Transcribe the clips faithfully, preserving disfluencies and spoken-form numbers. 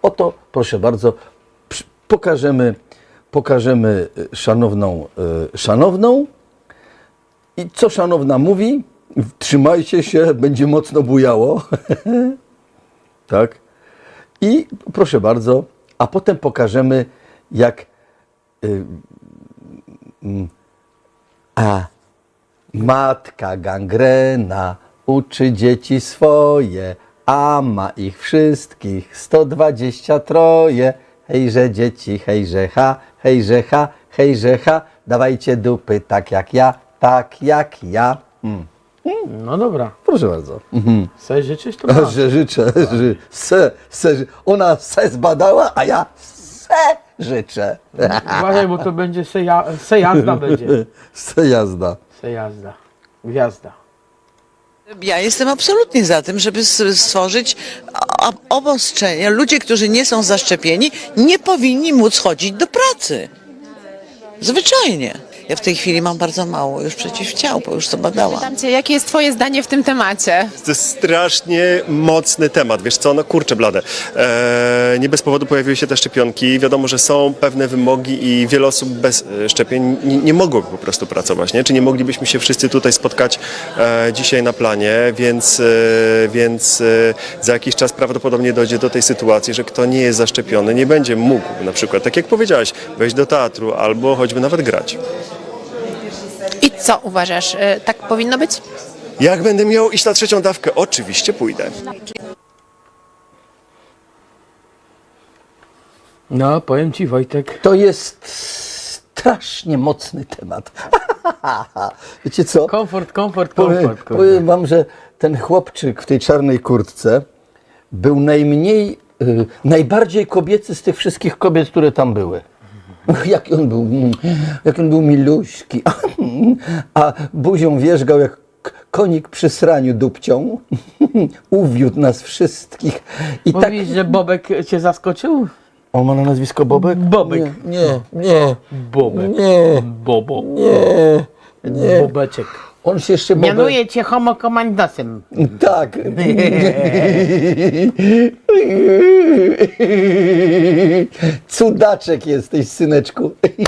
Oto, proszę bardzo, pokażemy, pokażemy szanowną, szanowną i co szanowna mówi, trzymajcie się, będzie mocno bujało, tak, i proszę bardzo, a potem pokażemy, jak y, y, a matka gangrena uczy dzieci swoje, a ma ich wszystkich sto dwadzieścia troje. Hejże dzieci, hejże ha, hejże ha, hejże ha, dawajcie dupy tak jak ja, tak jak ja. Mm. No dobra. Proszę bardzo. Mhm. Chcesz życzyć, to masz. Że życzę, że se, se, ona se zbadała, a ja se życzę. Uważaj, bo to będzie se, ja, se jazda będzie. Se jazda. Se jazda. Gwiazda. Ja jestem absolutnie za tym, żeby s- stworzyć o- obostrzenia. Ludzie, którzy nie są zaszczepieni, nie powinni móc chodzić do pracy. Zwyczajnie. Ja w tej chwili mam bardzo mało już przeciwciał, bo już to badałam. Pytam cię, jakie jest twoje zdanie w tym temacie? To jest strasznie mocny temat, wiesz co, no kurczę blade. Eee, nie bez powodu pojawiły się te szczepionki. Wiadomo, że są pewne wymogi i wiele osób bez e, szczepień nie, nie mogłoby po prostu pracować, nie? Czy nie moglibyśmy się wszyscy tutaj spotkać e, dzisiaj na planie, więc, e, więc e, za jakiś czas prawdopodobnie dojdzie do tej sytuacji, że kto nie jest zaszczepiony, nie będzie mógł na przykład, tak jak powiedziałeś, wejść do teatru albo choćby nawet grać. I co uważasz, y, tak powinno być? Jak będę miał iść na trzecią dawkę? Oczywiście pójdę. No, powiem ci, Wojtek. To jest strasznie mocny temat. Wiecie co? Komfort, komfort, Powiem, komfort. kurde. powiem wam, że ten chłopczyk w tej czarnej kurtce był najmniej, y, najbardziej kobiecy z tych wszystkich kobiet, które tam były. Jaki on był, mm, jak on był miluśki, a buzią wierzgał jak k- konik przy sraniu dupcią. Uwiódł nas wszystkich. I tak, Mówisz, że Bobek cię zaskoczył? on ma na nazwisko Bobek? Bobek. Nie, nie, Bobek. nie, Bobo. nie, nie. Bobeczek. On się jeszcze Bobek... Mianuję cię homokomandosem. Tak. Cudaczek jesteś, syneczku.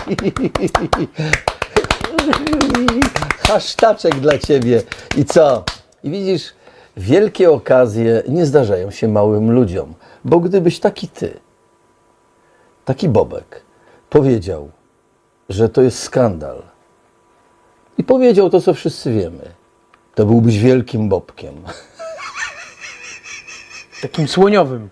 Hasztaczek dla ciebie. I co? I widzisz, wielkie okazje nie zdarzają się małym ludziom, bo gdybyś taki ty, taki Bobek, powiedział, że to jest skandal i powiedział to, co wszyscy wiemy, to byłbyś wielkim Bobkiem. Takim słoniowym.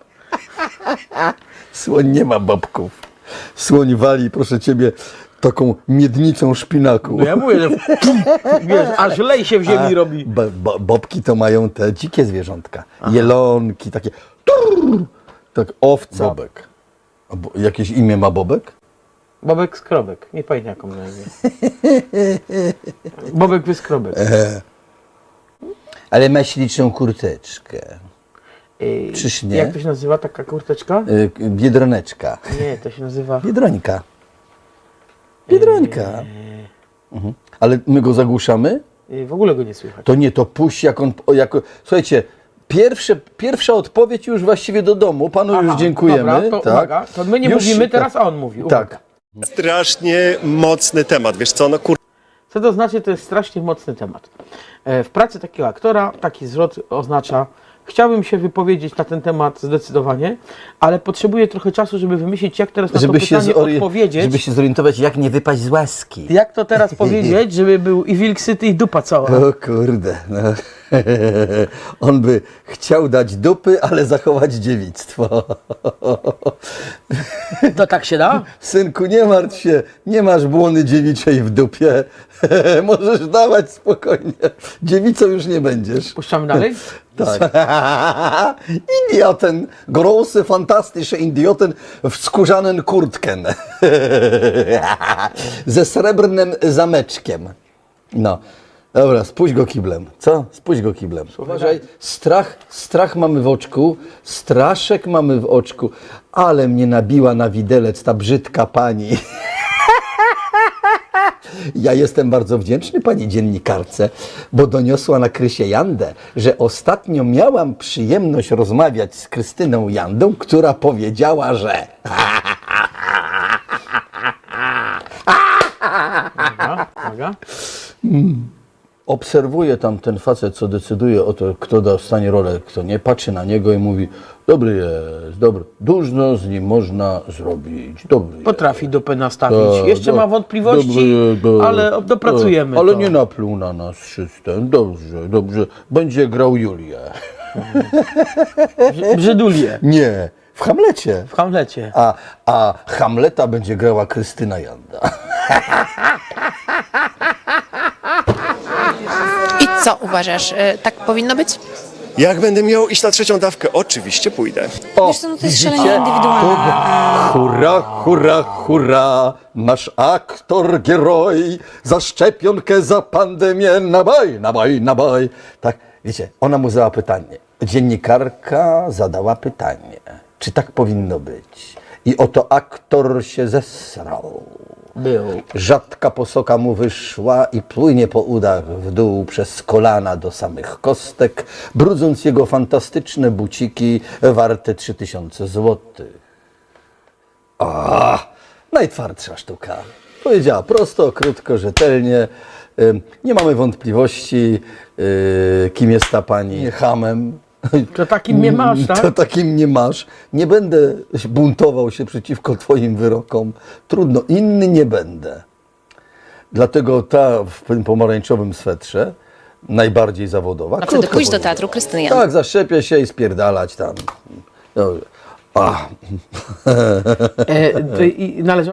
Słoń nie ma bobków. Słoń wali, proszę ciebie, taką miednicą szpinaku. No ja mówię, że wiesz, aż lej się w ziemi A robi. bo- bo- bobki to mają te dzikie zwierzątka. Jelonki, takie. Turr, tak, owca. Bobek. A bo, jakieś imię ma Bobek? Bobek Skrobek. Nie pamiętam jaką na imię. Bobek Wyskrobek. Ale ma śliczną kurteczkę. Ej, czyż nie? Jak to się nazywa taka kurteczka? Y, Biedroneczka. Nie, to się nazywa... Biedrońka. Biedrońka. Mhm. Ale my go zagłuszamy? Ej, w ogóle go nie słychać. To nie, to puść jak on... o, jako, słuchajcie, pierwsze, pierwsza odpowiedź już właściwie do domu. Panu już Aha, dziękujemy. Dobra, to tak. uwaga. To my nie Już- mówimy, tak. teraz on mówi. Uwaga. Tak. Strasznie mocny temat, wiesz co, no kurczę. Co to znaczy? To jest strasznie mocny temat. E, W pracy takiego aktora taki zwrot oznacza: chciałbym się wypowiedzieć na ten temat zdecydowanie, ale potrzebuję trochę czasu, żeby wymyślić, jak teraz na Żeby to się, pytanie zori- odpowiedzieć. żeby się zorientować, jak nie wypaść z łaski. Jak to teraz powiedzieć, żeby był i wilk syty, i dupa cała. O kurde, no. On by chciał dać dupy, ale zachować dziewictwo. To tak się da? Synku, nie martw się, nie masz błony dziewiczej w dupie. Możesz dawać spokojnie. Dziewicą już nie będziesz. Puszczamy dalej? Tak. Idioten, große, fantastyczne idioten w skórzanym kurtken. Ze srebrnym zameczkiem. No. Dobra, spuść go kiblem. Co? Spuść go kiblem. Uważaj, strach, strach mamy w oczku, straszek mamy w oczku, ale mnie nabiła na widelec ta brzydka pani. Ja jestem bardzo wdzięczny pani dziennikarce, bo doniosła na Krysię Jandę, że ostatnio miałam przyjemność rozmawiać z Krystyną Jandą, która powiedziała, że... Uwaga, uwaga. Obserwuje tam ten facet, co decyduje o to, kto dostanie rolę, kto nie, patrzy na niego i mówi: dobry jest, dobry, dużo z nim można zrobić, dobry jest. Potrafi dupę nastawić. Tak, Jeszcze do- ma wątpliwości, dobry jest, do- ale dopracujemy tak, Ale to. nie napluł na nas system, dobrze, dobrze, będzie grał Julię. Brzydulię Nie, w Hamlecie. w Hamlecie. A, a Hamleta będzie grała Krystyna Janda. I co uważasz, e, tak powinno być? Jak będę miał iść na trzecią dawkę, oczywiście pójdę. O, Wiesz co, no to jest widzicie? szalenie indywidualne. To- Hurra, hurra, hurra, nasz aktor, geroj, za szczepionkę, za pandemię, nabaj, nabaj, nabaj. Tak, wiecie, ona mu zadała pytanie. Dziennikarka zadała pytanie, czy tak powinno być. I oto aktor się zesrał. Był. Rzadka posoka mu wyszła i płynie po udach w dół przez kolana do samych kostek, brudząc jego fantastyczne buciki warte trzy tysiące złotych. A, najtwardsza sztuka. Powiedziała prosto, krótko, rzetelnie. Ym, Nie mamy wątpliwości, yy, kim jest ta pani hamem. To takim mnie masz, tak? To takim nie masz. Nie będę buntował się przeciwko twoim wyrokom. Trudno, inny nie będę. Dlatego ta w tym pomarańczowym swetrze, najbardziej zawodowa. A wtedy krótko pójść do powiedziała. teatru Krystyny Jandy. Tak, zaszczepię się i spierdalać tam. Dobrze. A. E, to i należy